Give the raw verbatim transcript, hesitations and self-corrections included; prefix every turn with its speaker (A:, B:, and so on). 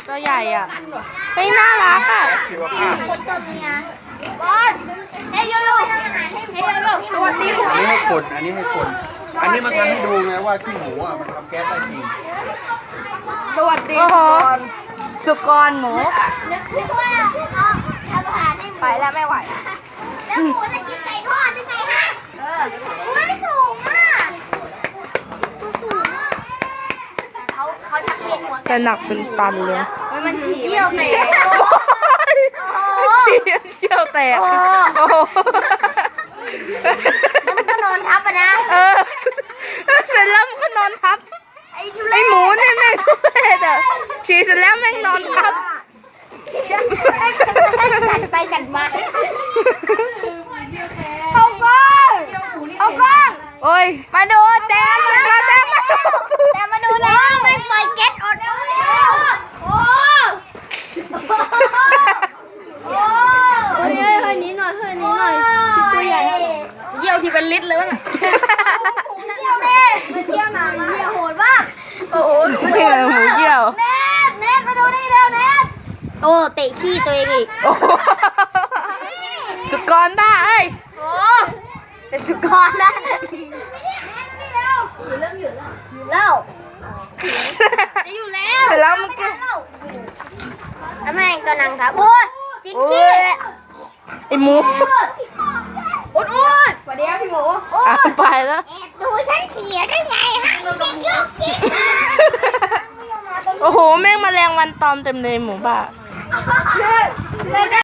A: ตัวใหญ่อ่ะเฮ้ยน่ารักอ่ะ
B: ชีวภาพ
C: คนตัวเมียบอลเฮ้ยโยโย่ทำอาหารให้เฮ้ยโยโย่สวัสดีค่ะ
B: อันนี้ให้คน อันนี้ให้คน อันนี้มันทำให้ดูไงว่าขี้หมูอ่ะมันทำแก๊สได้จริง
A: สวัสดีโอ้โหสุกรหมู
C: นึกนึกว่าเอาทำอาหารให้หมู
A: ไปแล้วไม่ไหว
C: แล้วหมูจะกินไก่ทอดยังไงฮะเออไม่สูงมากตัวสูงมากเขาเขาชักเวียนหัว
A: จะหนักเป็นตันเลย
C: มันฉี่เกี่ยวแตก
A: ฉี่เขี้ยวแตกโอ้โห
C: แล้วมันก็นอนทับอะนะ
A: เออเสร็จแล้วมันก็นอนทับ
C: ไอ้ทุ
A: ไอ
C: เรศ
A: หมูเนี่ยแม่งทุเรศอ่ะฉี่เสร็จแล้วแม่งนอนทับ
C: สั่นไปสั่นมา
A: เอาก้องเอาก้องโอ้ยมาดูแต้มมาแต้มมาดู
C: แต่มาดูแล้วมันปล่อยแก๊สอดโอ้โอ้เฮ้ยเฮ้ยเฮ้ยนี้หน่อยเฮ้ยนี้หน่อยตัวใหญ่
A: เยี่ยวที่เป็นลิตรเลยวะน่ะ
C: เที่ยวดิมาเที่ยวหนามาเที่ยวโหดมาก
A: โอ้โหเหี้ยหมูเยี่ยว
C: เน็ตเน็ตมาดูนี่เร็วเน็ตโอ้เตะขี้ตัวเองอีก
A: โอ้โหสุกรบ้าเอ้ย
C: โอ้เป็นสุกรนะอยู่เริ่มอยู่แล้วอยู่แล้วจะอยู่แล้ว
A: เสร็จแล้วมันก็
C: แล้วแม่งก็นั่งครับโอ้ยกินขี้
A: ไอหมู
C: อุดอุดสวัสดีครับพี่หมู
A: อ่ะไปแล้ว
C: แอบดูฉันเฉียได้ไงฮะเด็กลูกจิ๋
A: โอ้โหแม่งแมลงวันตอมเต็มเลยหมูบ้า
C: เลย